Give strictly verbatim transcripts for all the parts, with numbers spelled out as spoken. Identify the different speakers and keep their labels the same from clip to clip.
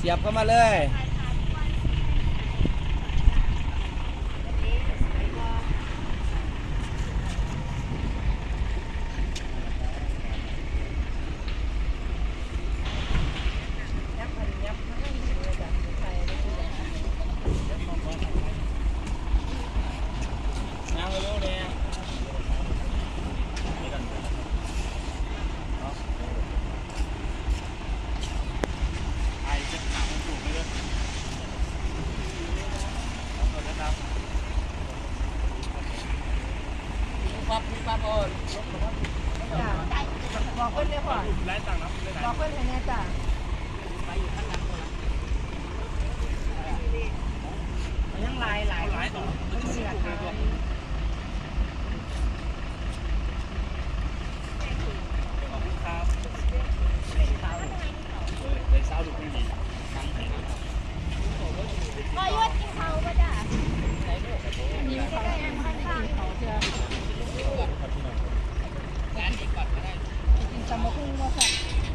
Speaker 1: เสียบเข้ามาเลยปั๊บปั๊บโอนบอกเพื่อนเลยพ่อบอกเพื่อนให้แน่จ้ะยังลายหลายหลายตัวมันเสียค่ะ
Speaker 2: ก็ยอดกินเขาก็จ้ะมีใกล้ๆข้างๆเขาเชื่อกินตำมะพุ่งว่าสั่ง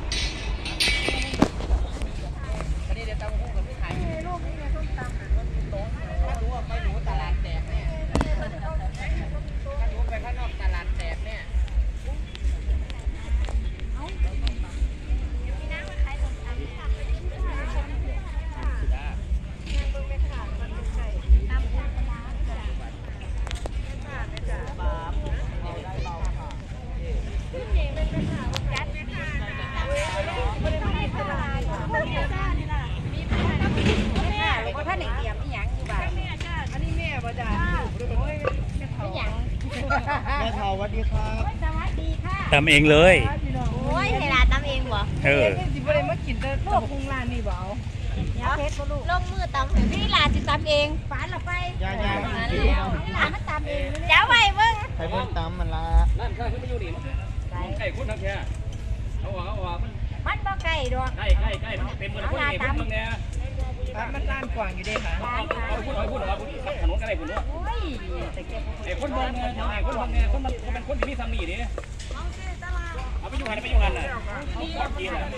Speaker 2: วันนี้เดี๋ยวตำมะพุ่งกับพี่ไทยลูกนี่ไงส้มตำถ้ารู้ว่าไม่รู้ตลาดแตกเนี่ยถ้ารู้ไปข้างนอกตลาดแตกเนี่ยแม่เฒ่าสวัสดีครับสวัสดีค่ะ
Speaker 3: ทำเองเลย
Speaker 2: โอ้ยเวลาทำเองบ่
Speaker 3: เออ
Speaker 1: สิบ่ได้มากินแต่ตำพุงร้านนี่บ่เอา
Speaker 2: เดี๋ยวลงมือตำพี่ลาสิตำเองฝานละไป
Speaker 1: ยายา
Speaker 2: พี่ลามันตำเองเดี๋ยวไว้เบิ่ง
Speaker 1: ให้เพิ่นตำมันละ
Speaker 4: นั่นข้าขึ้นมาอยู่นี่ไก่คนทั้งแค่เอาว่าเอาว่ามัน
Speaker 2: มันบ่ไก่ดอก
Speaker 4: ไก่ไก่ไก่เต็มเลยคนเต็มเลยเนี่ย
Speaker 1: มันร้านกว้างอยู่เด้ค่ะ
Speaker 4: เอาพูดเอาพูดเอาพูดถนนกันได้คุณด้วย
Speaker 2: โอ้ยแต่แก
Speaker 4: ไอ้คนมองไงไอ้คนมองไงคนมันเป็นคนที่มีสามีดิเอาไปอยู่หันไปอยู่หันน่ะเอากินอ่ะ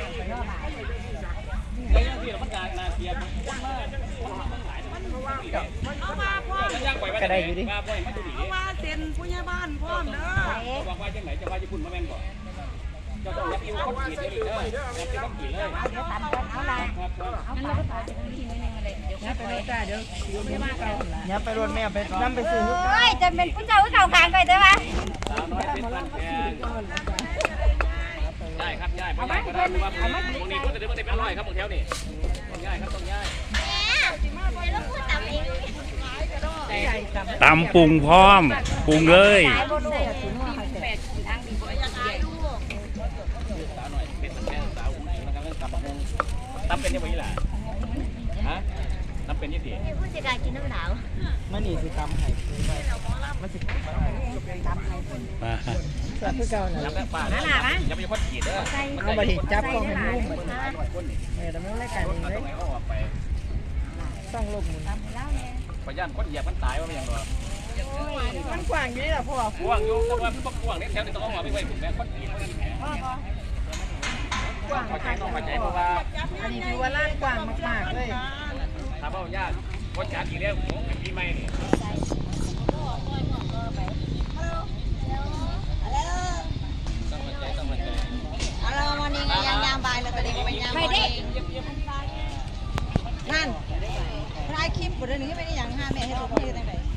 Speaker 4: แล้วที่เรามันการนาเทียมมันมากมันหลาย
Speaker 2: เอามาพ่อ
Speaker 1: ก็ได้อยู่ดิ
Speaker 2: เอามาเซ็นผู้ใหญ่บ้านพ่อเด้อ
Speaker 4: บอกว่าจังไหนจะว่าจะคุณมาแม่งก่อนจะต้องรับผิวคนขีดเลยเด้อรับผิวคนขีดเลย
Speaker 2: เดี๋ยวทำกันเอาละเอางั้นเราก็ตัดทีไว้ในอะไรเดี๋ยว
Speaker 1: ไปรถจ้าเดี๋ยวอยู่บ้านเก่าอย่าไปรถแม่ไปนำไปซื้อ
Speaker 2: โอ้ยจะเป็นผู้เจ้าผู้เก่าขางไปได้ปะ
Speaker 4: สาวน้อยเป็นบ้านแพงได้ครับย้ายไปย้ายก็ได้ว่าตรงนี้ก็จะได้ไม่ได้เป็นร้อยครับบางแถวนี่ต้องย้ายครับต้องย้าย
Speaker 2: แล้วพูดตำเอง
Speaker 3: ตำปรุงพร้อมปรุงเลย
Speaker 4: ตำเป็นยังไงล่ะฮะตำเป็นยังไง
Speaker 2: ผู้จัดการกินน้ำหนาว
Speaker 1: มันนี่สิตำให้มันสิ
Speaker 3: มา
Speaker 1: จับคือเก่าน่ะ
Speaker 4: จับแล้วป้านะอย่าไปคนขีดเด้อ
Speaker 1: เอาบ่ได้จับกล้องให้มันลุ่มเออแต่มันรายการเองเลยต้องลงมือ
Speaker 4: พยายามคนเหยียบมันตายว่าไม่ยังหรอ
Speaker 1: มันกว้างอยู่นี่ล่ะพ่อก
Speaker 4: ว้างอยู่แต่ว่ามันบ่กว้างนี่แถวนี้ต้องเอาไปไว้ผมแม่คนขีดคนขีดแม่กว้างเข้าใจน้องเข้าใจเพราะว่า
Speaker 1: อันนี้ถือว่าร้านกว้างมากๆเลย
Speaker 4: ถ้าเบ้ายากคนจัดอีกแล้วผมเป็นปีใหม่นี่ต้องเข้าใจต้องเข้าใจ
Speaker 2: เอาเราวันนี้ยางยางใบแล้วก็เด็กไปยางไปดินั่นรายคลิปบทเรียนนี้ไม่ได้อย่างห้าแม่ให้ลูกพี่ได้ไหม